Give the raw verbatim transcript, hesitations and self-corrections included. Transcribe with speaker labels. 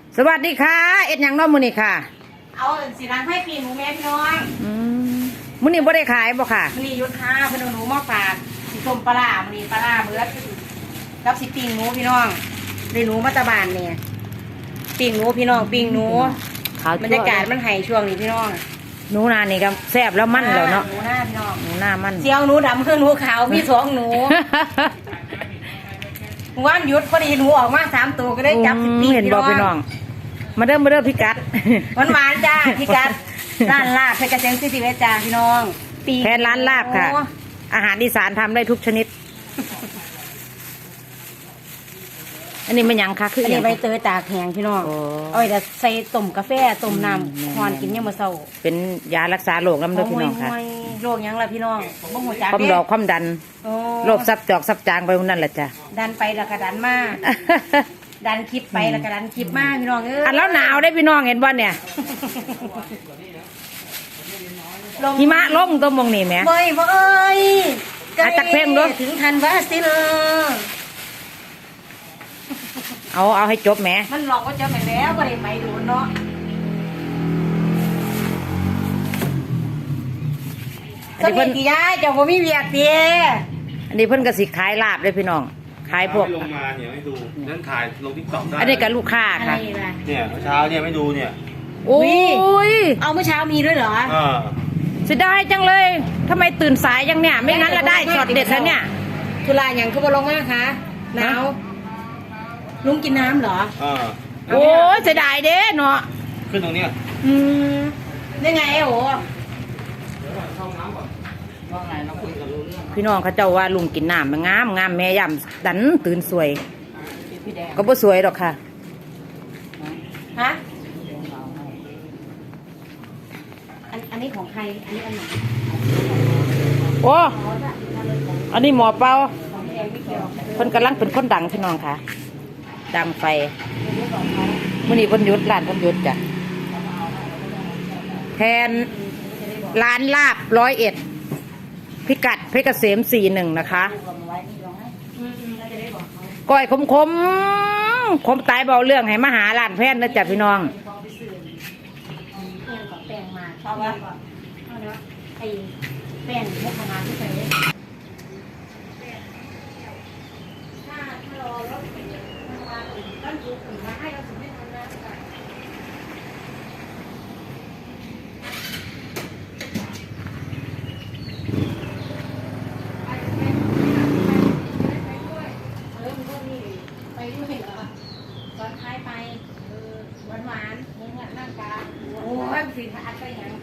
Speaker 1: สวัสดีค่ะเอ็ดยังน้อมือนี่ค่ะ
Speaker 2: เอาสีรังให้ปีหมูแม่พี่น้อง
Speaker 1: มือนี่บ่ได้ขายบ่ค่ะ
Speaker 2: มือนี่ยุทธาพนหนูมาฝากสีส้มปลามือนี่ปลาเบิร์ดรับสิปิงหนูพี่น้องได้หนูมาตะบานเนี่ยปิงหนูพี่น้องปิงหนูบรรยากาศมันไห่ช่วงนี้พี่น้อง
Speaker 1: หนูนานี่ก็แซ่บแล้วมั่นแล้วเนาะ
Speaker 2: หนูหน้าพี่น้อง
Speaker 1: หนูหน้ามั่น
Speaker 2: เจียวหนูดำคือหนูขาวมีสองหนูว่านยุดพอดีหนูออกมาสามตัวก็ได้จับสิปี
Speaker 1: เห็นบอกพี่น้องมาเริ่มมาเริ่มพิกัด
Speaker 2: หวานหวานจ้าพิกัดร้านลาบเพชรเกษมสิบเอ็ดจ้าพี่น้อง
Speaker 1: ปีแทนร้านลาบค่ะอาหารอีสานทำได้ทุกชนิดอันนี้มันยังค่ะคืออั
Speaker 2: นนี้ใบเตยตากแห้งพี่น้องเอาไปใส่ต้มกาแฟต้มน้ำควานกินยังมาเศร้าเป็น
Speaker 1: ยารักษาโรคน้ำเลือดพี่น้องค่ะ
Speaker 2: โรคยังล่ะพี่น้องบ่หัวใจ
Speaker 1: ความดอกความดันโรคซับจอกซับจางไปนั่นแหละจ้ะ
Speaker 2: ดันไปแล้วก็ดันมาดันคลิปไปแล้วก็ดันคลิปมาพี่น้องเออ
Speaker 1: อันแล้วหนาวได้พี่น้องเห็นบ่เนี่ยหิมะลงตัวมองนี่แม่
Speaker 2: เบ้ยบ่เอ้ย
Speaker 1: อาตักเพ่งด้วย
Speaker 2: ถึงทันวาสิเล
Speaker 1: เอาเอาให้จบแม่
Speaker 2: มันหลอกว่าจะไม่แล้วก็ได้ไปดูเนาะสมัยกี่ย้ายเจ้าบ่มีเวียกเตี้ย
Speaker 1: อันนี้เพิ่นก็สิขายลาบเลยพี่น้องขายพวก
Speaker 3: ลงมาเนี่ยไม่ดูนั่นถ่ายลงทิกตอกได้
Speaker 1: อันนี้กับลูกค้าค่ะ
Speaker 3: เนี่ยเมื่อเช้าเนี่ยไม่ดูเนี่ย
Speaker 1: โอ้ย
Speaker 2: เอาเมื่อเช้ามีด้วยเหรอ
Speaker 3: เออ
Speaker 1: เสียดายจังเลยทำไมตื่นสายจังเนี่ยไม่งั้นละได้ช็อตเด็ดแล้วเนี่ย
Speaker 2: ทุลาอย่างคือบ่ลงมากคะหนาวลุงกินน้ำเหรอ
Speaker 3: เออ
Speaker 1: โอ้ยเสียดายเด้เนาะ
Speaker 3: ขึ้นตรงนี้
Speaker 2: อืมได้ไงโอ้
Speaker 1: พี่น้องเขาเจ้าว่าลุงกินน้ำมันงามงามแม่ย่ำดันตื่นสวยก็บ่สวยหรอกค่ะ
Speaker 2: ฮะอันอันนี้ของใครอันนี้อันไหน
Speaker 1: โอ้อันนี้หมอเปาคนกำลังเป็นคนดังพี่น้องค่ะดังไฟมื้อนี้เพิ่นหยุดร้านเพิ่นหยุดจ้ะแทนร้านลาบร้อยเอ็ดพิกัดเพชรเกษมสี่หนึ่งนะคะก้อยคมคมคมตายเบาเรื่องให้มาหาร้านแพทย์นะจ๊ะพี่น้อง
Speaker 2: แป้งมาชอบว่าไอ้แป้งมุกขนาดที่ใส่ถ้าถ้ารอรถมาตั้งจุดมาให้เราถึงไม่ทันนะตอนท้ายไปหวานหวานมึงอ่ะนั่งกาโอ้ยสิอัดไปอย่าง